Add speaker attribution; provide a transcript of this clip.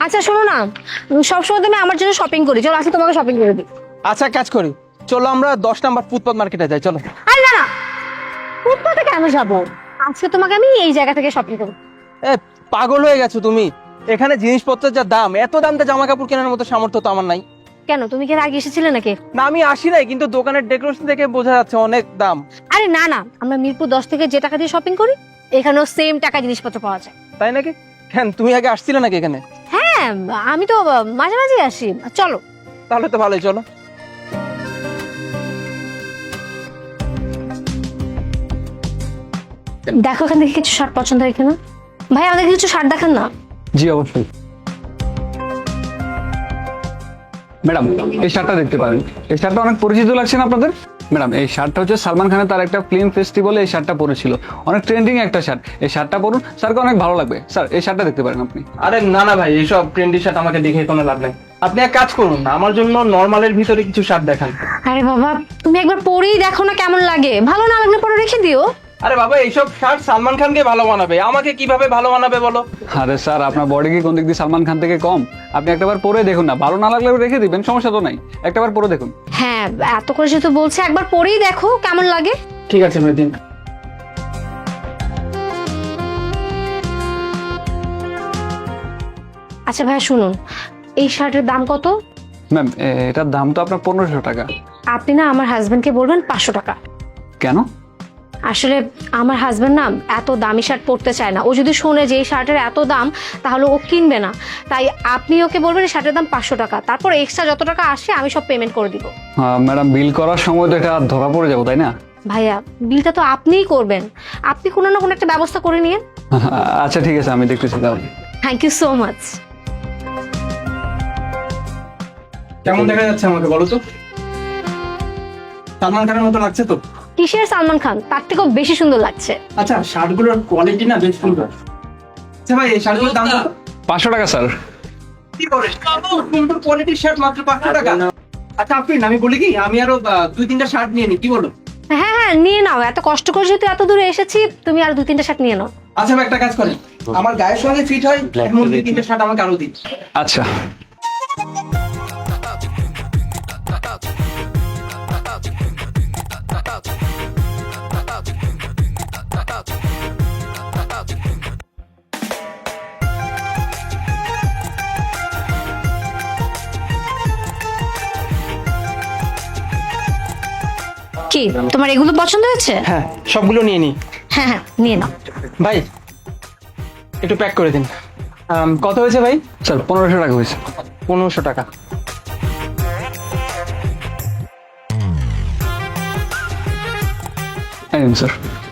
Speaker 1: আচ্ছা শোনো না, সবসময় তুমি আমার জন্য শপিং করি, চলো আজকে তোমাকে শপিং করে দিই।
Speaker 2: আচ্ছা কাজ করি, চলো আমরা 10 নাম্বার ফুটপাত মার্কেটে যাই, চলো।
Speaker 1: আরে না না, ফুটপাতে কেন যাবো? আজকে তোমাকে আমি এই জায়গা থেকে শপিং করবো।
Speaker 2: এ পাগল হয়ে গেছো তুমি, এখানে জিনিসপত্রের যা দাম, এত দামটা জামা কাপড় কেনার মতো সামর্থ্য তো আমার নাই।
Speaker 1: কেন, তুমি কি এর আগে এসেছিলে নাকি?
Speaker 2: না আমি আসি নাই, কিন্তু দোকানের ডেকোরেশন দেখে বোঝা যাচ্ছে অনেক দাম।
Speaker 1: আরে না না, আমরা মিরপুর 10 থেকে যে টাকা দিয়ে শপিং করি এখানেও সেম টাকা জিনিসপত্র পাওয়া যায়।
Speaker 2: তাই নাকি? কেন তুমি আগে আসছিলে নাকি এখানে?
Speaker 1: হ্যাঁ, আমি তো মাঝে মাঝে আসি। চলো।
Speaker 2: তাহলে তো ভালোই, চলো।
Speaker 1: দেখো এখান থেকে কিছু শার্ট পছন্দ হয় কিনা। ভাই আমাদের কিছু শার্ট দেখান না।
Speaker 3: জি অবশ্যই ম্যাডাম, এই শার্টটা দেখতে পারেন। এই শার্টটা অনেক পরিচিত লাগছে না আপনাদের? ম্যাডাম, এই শার্টটা হচ্ছে সালমান খানের তার একটা ফিল্ম ফেস্টিভ্যালে এই শার্টটা পরেছিল। অনেক ট্রেন্ডিং একটা শার্ট। এই শার্টটা পরুন, স্যারকে অনেক ভালো লাগবে। স্যার এই শার্টটা দেখতে পারেন আপনি।
Speaker 2: আরে না না ভাই, এইসব ট্রেন্ডি শার্ট আমাকে দেখে কোনো লাভ নাই। আপনি এক কাজ করুন, আমার জন্য নরমালের ভিতরে কিছু শার্ট দেখান।
Speaker 1: আরে বাবা, তুমি একবার পরেই দেখো না কেমন লাগে, ভালো না লাগলে পরে রেখে দিও।
Speaker 2: আরে বাবা, এইসব শার্ট সালমান খানকে ভালো বানাবে, আমাকে কিভাবে ভালো বানাবে বলো?
Speaker 3: আরে স্যার, আপনার বডি কি কোন দিক দিয়ে সালমান খান থেকে কম? আপনি একটাবার পরে দেখুন না, ভালো না লাগলে রেখে দিবেন, সমস্যা তো নাই। একটাবার পরে দেখুন।
Speaker 1: হ্যাঁ, এত করে যেহেতু বলছে একবার পরেই দেখো কেমন লাগে।
Speaker 2: ঠিক আছে ভাই, দিন।
Speaker 1: আচ্ছা ভাইয়া শুনুন, এই শার্টের দাম কত?
Speaker 3: ম্যাম, এটার দাম তো আপনার 1500 টাকা।
Speaker 1: আপনি না আমার হাজবেন্ডকে বলবেন 500 টাকা।
Speaker 3: কেন?
Speaker 1: আসলে আমার হাজবেন্ড না এত দামি শার্ট পরতে চায় না। ও যদি শোনে যে এই শার্টের এত দাম তাহলে ও কিনবে না। তাই আপনি ওকে বলবেন এই শার্টের দাম 500 টাকা, তারপর এক্সট্রা যত টাকা আসে আমি সব পেমেন্ট করে দিব।
Speaker 3: ম্যাডাম, বিল করার সময় তো এটা ধরা পড়ে যাবো, তাই না?
Speaker 1: ভাইয়া বিলটা তো আপনিই করবেন, আপনি কোনো না কোনো একটা ব্যবস্থা করে নিন।
Speaker 3: আচ্ছা ঠিক আছে, আমি দেখতেছি তাহলে।
Speaker 1: Thank you so much.
Speaker 2: কেমন দেখা যাচ্ছে আমাকে বলো তো? সালমান খানের মতো লাগছে তো?
Speaker 1: কিসের সালমান খান, তার থেকেও বেশি সুন্দর লাগছে।
Speaker 2: আচ্ছা, শার্টগুলোর কোয়ালিটি না বেশ সুন্দর। আচ্ছা ভাই, এই শার্টগুলোর দাম কত?
Speaker 3: 500 টাকা স্যার।
Speaker 2: কি করে সুন্দর কোয়ালিটির শার্ট মাত্র 500 টাকা? আচ্ছা আপনি, আমি বলি কি, আমি আরো 2-3টা শার্ট নিয়ে নিই, কি বলো?
Speaker 1: হ্যাঁ হ্যাঁ, নিয়ে নাও, এত কষ্ট করে যেহেতু এত দূরে এসেছি, তুমি আর 2-3টা শার্ট নিয়ে নাও।
Speaker 2: আচ্ছা ভাই, একটা কাজ করেন, আমার গায়ের সঙ্গে ফিট হয় এমন 2-3টা শার্ট আমাকে আরো দিন।
Speaker 3: আচ্ছা।
Speaker 1: কি তোমার এগুলো পছন্দ হয়েছে?
Speaker 2: হ্যাঁ, সবগুলো নিয়ে নিই।
Speaker 1: হ্যাঁ হ্যাঁ, নিয়ে নাও।
Speaker 2: ভাই একটু প্যাক করে দিন। কত হয়েছে ভাই?
Speaker 3: স্যার 1500 টাকা হয়েছে।
Speaker 2: 1500 টাকা।
Speaker 3: এই নিন স্যার।